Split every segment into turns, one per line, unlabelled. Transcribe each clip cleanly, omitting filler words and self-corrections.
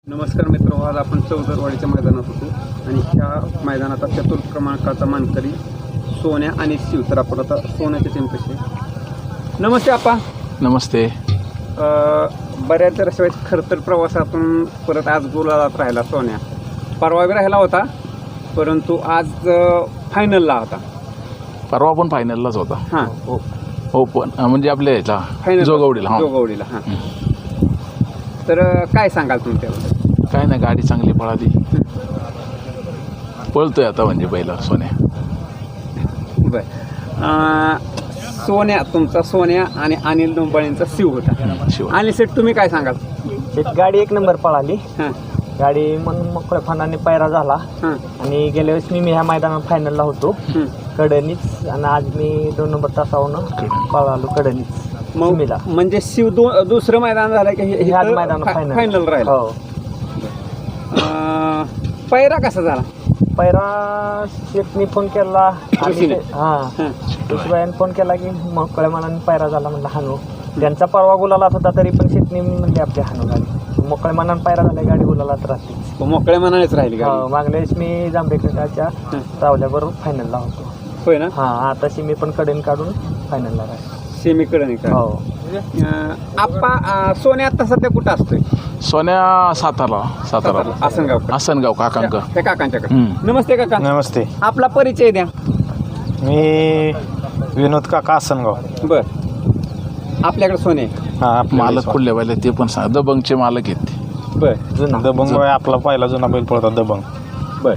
नमस्कार मित्र, आज आपण चौदरवाडीच्या मैदानात होतो आणि ह्या मैदानाचा चतुर्थ क्रमांकाचा मानकरी सोन्या आणि शिव. तर आपण आता सोन्याची टीम कशी आहे. नमस्ते आपा.
नमस्ते.
बऱ्याच वर्षात खरं तर प्रवासातून परत आज गुलालात राहिला सोन्या. परवा बी राहिला होता, परंतु आज फायनलला होता.
परवा पण फायनललाच होता.
हां
हो पण म्हणजे आपल्या ह्याला
फायनल
जोगवडीला.
जोगवडीला. हां तर काय सांगाल तुम्ही त्याबद्दल.
काय नाही, गाडी चांगली पळाली, पळतोय आता म्हणजे पहिला सोन्या.
बरं, सोन्या तुमचा सोन्या आणि अनिल डोंबाळेंचा शिव होता.
शिव.
आणि सेट तुम्ही काय सांगाल.
गाडी एक नंबर पळाली.
हां
गाडी मग मोकळ्या फनाने पैरा झाला.
हां
आणि गेल्या वेळेस मी ह्या मैदानात फायनलला होतो कडणीच, आणि आज मी 2 नंबर तासावरून पळालो कडणीच.
मग म्हणजे शिव दुसरं मैदान झालं की
ह्याच मैदानात
फायनल राहिला.
हो.
पैरा कसा झाला.
पैरा शेटनी फोन केला.
ऋषीने?
हां ऋषीबाईने फोन केला की मोकळ्या मनाने पैरा झाला म्हणलं हानू. त्यांचा परवा गुलालात होता तरी पण शेटनी म्हणजे आपली हानू गाडी. मोकळ्या मनाने पैरा झाला, गाडी गुलालात राहते.
मोकळ्या मनानेच राहिली गाडी.
हो, मागल्या वेळेस मी जांभेकरच्या रावल्याबरोबर फायनलला होतो.
होय ना.
हां आताशी मी पण कडण काढून फायनलला राहिलो.
सेमीकडे नाही का.
हो.
आप्पा सोन्या आता सध्या कुठं असतोय.
सोन्या सातारा. आसनगाव काकांक.
त्या काकांच्याकडे. नमस्ते काका.
नमस्ते.
आपला परिचय द्या.
मी विनोद काका आसनगाव.
बर, आपल्याकडे सोने.
हा
मालक कुठले पाहिले ते पण सांग. दबंगचे मालक आहेत ते.
बर
जुना
दबंग आपला पहिला जुना बैल पळतात दबंग.
बर.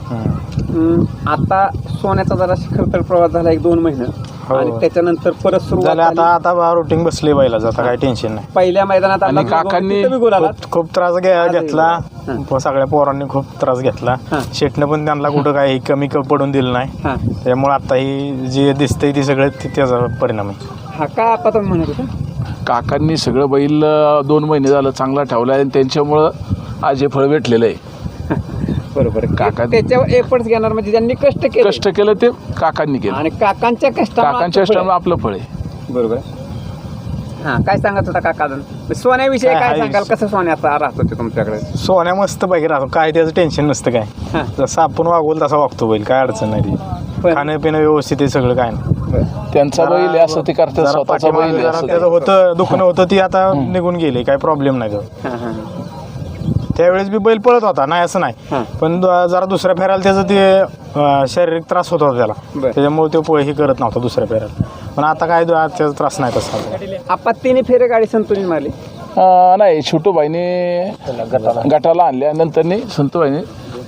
आता सोन्याचा जरा खरतर प्रवास झाला 1-2 महिने. आणि त्याच्यानंतर परत सुरुवात
झालं. आता रुटीन बसले बैलाचं, आता काही टेन्शन नाही.
पहिल्या मैदानात
आणि काकांनी
खूप त्रास घेतला. सगळ्या पोरांनी खूप त्रास घेतला. शेटनं पण त्यांना कुठं काही कमी पडून दिलं नाही. त्यामुळे आता ही जे दिसतंय ती सगळं त्याचा परिणाम आहे.
हा का आपा तुम्ही म्हणत होता.
काकांनी सगळं बैल 2 महिने झालं चांगला ठेवला आणि त्यांच्यामुळं आज हे फळ भेटलेलं आहे.
बरोबर.
काका
त्याच्यावर एफर्ट्स घेणार म्हणजे ज्यांनी कष्ट
केलं ते काकांनी केलं
आणि काकांच्या
कष्टामुळे आपलं फळ आहे.
बरोबर. हां काय सांगत होता काका. सोन्याविषयी काय सांगाल. कसं सोन्याचा राहत होते तुमच्याकडे.
सोन्या मस्त पैकी राहतो, काय त्याचं टेन्शन नसतं. काय जसं आपण वागवलं तसा वागतो बैल, काय अडचण नाही. खाणं पिणं व्यवस्थित आहे, सगळं काय नाही.
त्यांचा बैल आहे असं ते करतात. स्वतःचा बैल आहे असं
त्याचं होतं दुखणं होतं ती आता निघून गेले, काय प्रॉब्लेम नाही त्याचा. त्यावेळेस बी बैल पळत होता, नाही असं नाही. पण जरा दुसऱ्या फेरायला त्याचं ते शारीरिक त्रास होत होता त्याला, त्याच्यामुळे तो हे करत नव्हता दुसऱ्या फेरायला. पण आता काय त्याचा त्रास नाही तसा.
आपण 3 फेरे गाडी संतुलित मारली.
नाही, छोटूबाईने गटाला आणल्या, नंतर संतूबाईने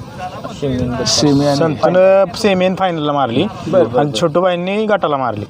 सेमी फायनलला मारली आणि छोटूबाईंनी गटाला मारली.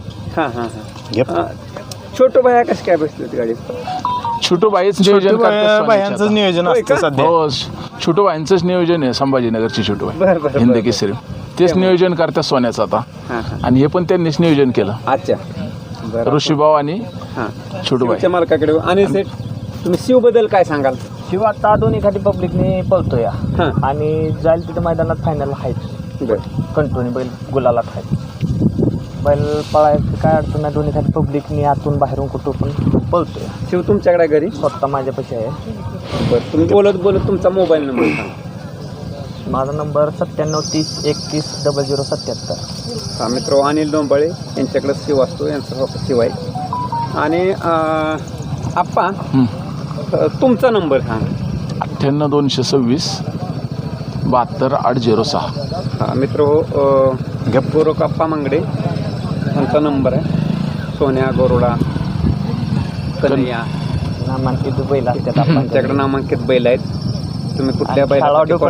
छोटू भाया कशी काय बसली होती गाडी.
छोटूबाईच नियोजन
बायांचं नियोजन असतं सध्या.
हो, छोटूबाईंचंच नियोजन आहे. संभाजीनगरची छोटूबाई हिंद केसरी तेच नियोजन करतात सोन्याचं आता. आणि हे पण त्यांनीच नियोजन केलं.
अच्छा.
ऋषीभाऊ आणि छोटूबाई
मालकाकडे. आणि सेट तुम्ही शिव बद्दल काय सांगाल.
शिव आता 2 एखादी पब्लिकने पळतोय आणि जाईल तिथे मैदानात फायनल आहेत. कंटिन्यू बैल गुलालात आहेत. बैल पळायचं काय अडचण नाही. 2 एखादी पब्लिकने आतून बाहेरून कुठं पण पळतोय.
शिव तुमच्याकडे घरी
स्वतः माझ्यापाशी आहे.
बरं, तुम्ही बोलत तुमचा मोबाईल नंबर सांगा.
माझा नंबर 9730 31 0077.
हा मित्र अनिल डोंबाळे यांच्याकडे शिव असतो, यांचा शिव आहे. आणि आप्पा तुमचा नंबर सांगा.
98 226 72 806.
हा मित्र गोरोकाप्पा मंगडे यांचा नंबर आहे. सोन्या गोरोडा कन्हैया
नामांकित बैल असतात
आमच्याकडे नामांकित बैल आहेत. तुम्ही कुठल्या बैल.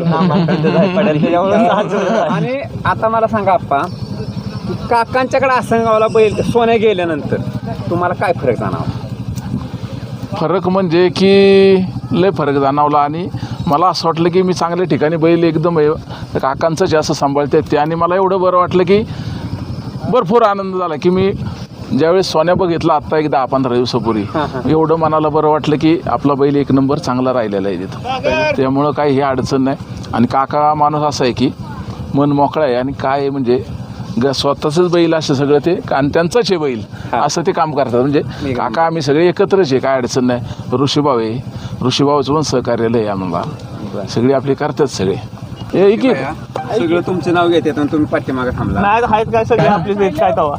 आणि आता मला सांगा आप्पा, काकांच्याकडे आसनगावला बैल सोन्या गेल्यानंतर तुम्हाला काय फरक जाणवला.
फरक म्हणजे की लय फरक जाणवला. आणि मला असं वाटलं की मी चांगल्या ठिकाणी बैल एकदम काकांचं जे असं सांभाळते ते. आणि मला एवढं बरं वाटलं की भरपूर आनंद झाला की मी ज्यावेळेस सोन्या बघितला आत्ता एक 10-15 दिवसापूर्वी, एवढं मनाला बरं वाटलं की आपला बैल 1 नंबर चांगला राहिलेला आहे तिथं. त्यामुळं काही हे अडचण नाही. आणि काका माणूस असा आहे की मन मोकळा आहे. आणि काय म्हणजे स्वतःच बैल असं सगळं ते आणि त्यांचाच आहे बैल असं ते काम करतात. म्हणजे काका आम्ही सगळे एकत्रच आहे, काय अडचण नाही. ऋषीभाऊ आहे, ऋषीभाऊचं पण सहकार्यालय आहे आम्हाला. सगळी आपली करतात सगळे हे की
सगळं तुमचे नाव घेतात आणि तुम्ही पाठीमागे थांबला.
नाही आहेत काय सगळे आपले काय तवा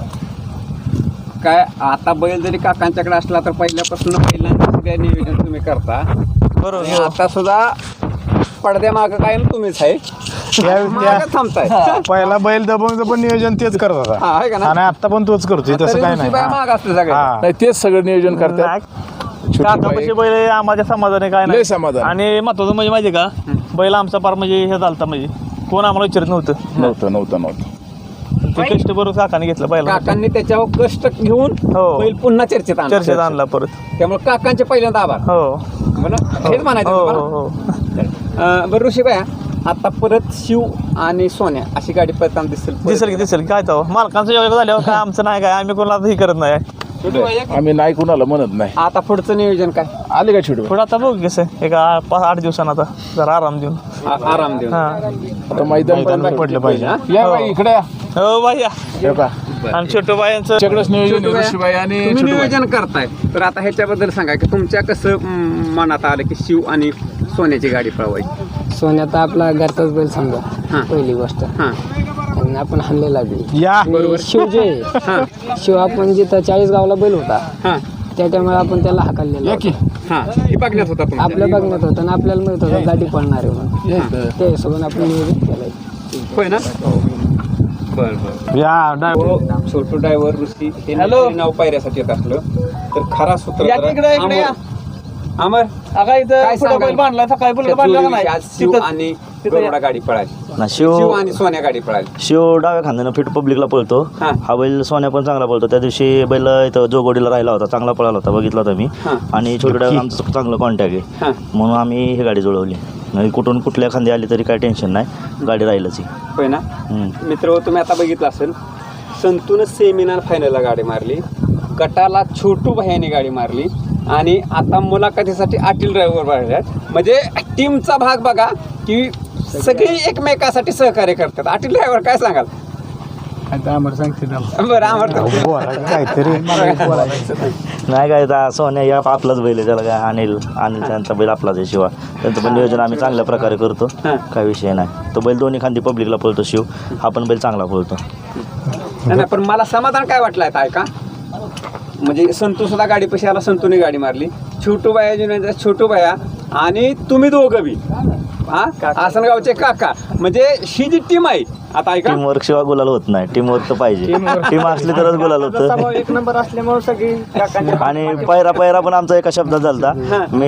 काय आता बैल जरी काकांच्याकडे असला तर पहिल्यापासून बैलांचं सगळं नियोजन तुम्ही करता.
बरोबर
आणि आता सुद्धा पडद्या मागं काय तुम्हीच आहे, मागं थांबताय.
पहिला बैल दबून नियोजन तेच करत होता
हा, आहे का ना?
आणि आता पण तोच करतोय तसं काय नाही.
माग असते सगळे.
हा.
नाही तेच सगळं नियोजन करतात.
काकापाशी बैल आम्हाला समाधान आहे काय
लय
नाही.
समाधान.
आणि महत्वाचं म्हणजे माहिती का बैल आमचा पार म्हणजे हे झालता म्हणजे कोण आम्हाला विचारत नव्हतं.
नव्हतं
ते कष्ट बरोबर काकाने घेतलं बैला
काकांनी त्याच्यावर कष्ट घेऊन
हो.
बैल पुन्हा चर्चेत आणला.
चर्चेत आणला परत.
त्यामुळे काकांचे पहिल्यांदा आभार.
हो
हेच म्हणायचं
हो
तुम्हाला?
हो
बरं ऋषीबाया, आता परत शिव आणि सोन्या अशी गाडी पळताना दिसेल.
दिसेल काय तो मालकांचं योग्य झाल्यावर काय आमचं नाही काय आम्ही कोणाला हे करत नाही.
आम्ही नाही कुणाला म्हणत नाही.
आता पुढचं नियोजन काय?
आले का छोटे
पुढे आता बघू कसं एक 8 दिवसांना आता जरा आराम देऊन
आराम देऊन.
हा
आता मैदान
पडलं पाहिजे.
या बाई इकडे या.
हो बाई या.
हे पहा.
आणि छोटू बायांचं
तुमच्याकडेच नियोजन आहे, ऋषीबाई आणि
तुम्ही
छोटूबाई.
नियोजन करताय तर आता ह्याच्याबद्दल सांगा की तुमच्या कसं मनात आलं की शिव आणि सोन्याची गाडी पळवायची?
सोन्याचा आपला घरचाच बैल समजा
हां.
पहिली गोष्ट
हां
आणि आपण हाणलेला बी
या
आणि शिव जे आहे,
हां
शिव आपण जिथं 40 गावला बैल होता
हां
त्या टायमाला आपण त्याला हाकललेला होता.
हां हे बघण्यात होता तुमच्या.
आपल्या बघण्यात होतं आणि आपल्याला माहित होतं गाडी पळणार आहे म्हणून त्या हिशोबाने आपण नियोजन केलंय.
होय ना? बरं बरं.
या
छोटू ड्रायव्हर ऋषी हे नाव पायऱ्यासाठी येत असलं तर खरा सूत्र अमर काय सांगाल? त्या जोडीविषयी आज शिव आणि गरुडा गाडी पळाली, शिव आणि सोन्या गाडी पळाली.
शिव डाव्या खांद्यानं फिट पब्लिकला पळतो.
हा.
हा बैल सोन्या पण चांगला पळतो. त्या दिवशी बैल इथं जोगोडीला राहिला होता, चांगला पळाला होता, बघितला होता मी.
हा.
आणि छोट्या डाव्या आमचं चांगलं कॉन्टॅक्ट आहे
हां
म्हणून आम्ही ही गाडी जुळवली. नाही कुठून कुठल्या खांदी आली तरी काय टेन्शन नाही, गाडी राहीलच ही.
होय ना? मित्र तुम्ही आता बघितलं असेल संतून सेमिनार फायनलला गाडी मारली, गटाला छोटू भैयाने गाडी मारली आणि आता मुलाखतीसाठी आटील ड्रायव्हर मारल्यात. म्हणजे टीमचा भाग बघा की सगळी एकमेकासाठी सहकार्य करतात. आटील ड्रायव्हर काय सांगाल? बरं आम्हाला
काहीतरी
नाही काय आता सोन्या या आपलाच बैल आहे, त्याला काय अनिल त्यांचा बैल आपलाच आहे. शिवा त्यांचं पण नियोजन आम्ही चांगल्या प्रकारे करतो, काय विषय नाही. तो बैल दोन्ही खांदी पब्लिकला पळतो शिव, हा पण बैल चांगला पळतो.
नाही पण मला समाधान काय वाटलं आहे ऐका, म्हणजे संतू सुद्धा गाडी पशी आला, संतूने गाडी मारली, छोटू बाया जुन्या छोटू बाया आणि तुम्ही दोघं बी आसनगावचे काका, म्हणजे ही जी टीम आहे आता ऐका.
टीम वर्क शिवाय गुलाल होत नाही, टीम वर्क तर पाहिजे. टीम असली तरच गुलाल होतं.
एक नंबर असल्यामुळे सगळी
आणि पैरा पण आमचा एका शब्दात झालता. मी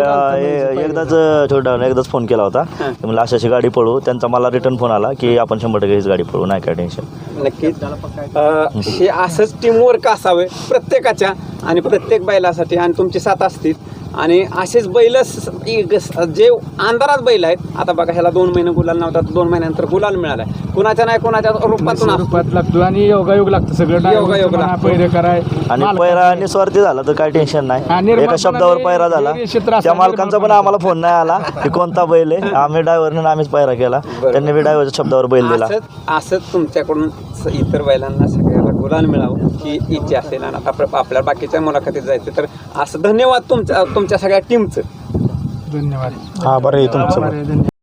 एकदाच फोन केला होता, मला अशी गाडी पळू. त्यांचा मला रिटर्न फोन आला की आपण 100% हीच गाडी पळू, नाही काय टेन्शन.
नक्कीच हे असंच टीमवर्क असावे प्रत्येकाच्या आणि प्रत्येक बैलासाठी, आणि तुमची साथ असतील आणि असेच बैल जे अंधारात बैल आहेत. आता बघा ह्याला 2 महिने गुलाल नव्हता, 2 महिन्यानंतर गुलाल मिळालाय. कुणाच्या नाही कुणाच्या रूपात
लागतो आणि योगायोग लागतं सगळं.
योगायोग लागतो.
पैरे कराय
आणि पैरा निस्वार्थी झाला तर काय टेन्शन नाही. एका शब्दावर पैरा झाला, त्या मालकांचा पण आम्हाला फोन नाही आला की कोणता बैल आहे. आम्ही ड्रायव्हरने आम्हीच पैरा केला, त्यांनी बी ड्रायव्हरच्या शब्दावर बैल दिला.
असंच तुमच्याकडून इतर बैलांना सगळ्याला गुलाल मिळावं ही इच्छा असेल. आणि आता आपल्या बाकीच्या मुलाखतीत जायचं तर असं धन्यवाद तुमच्या सगळ्या टीमचं.
धन्यवाद.
हा बरं आहे तुमचं.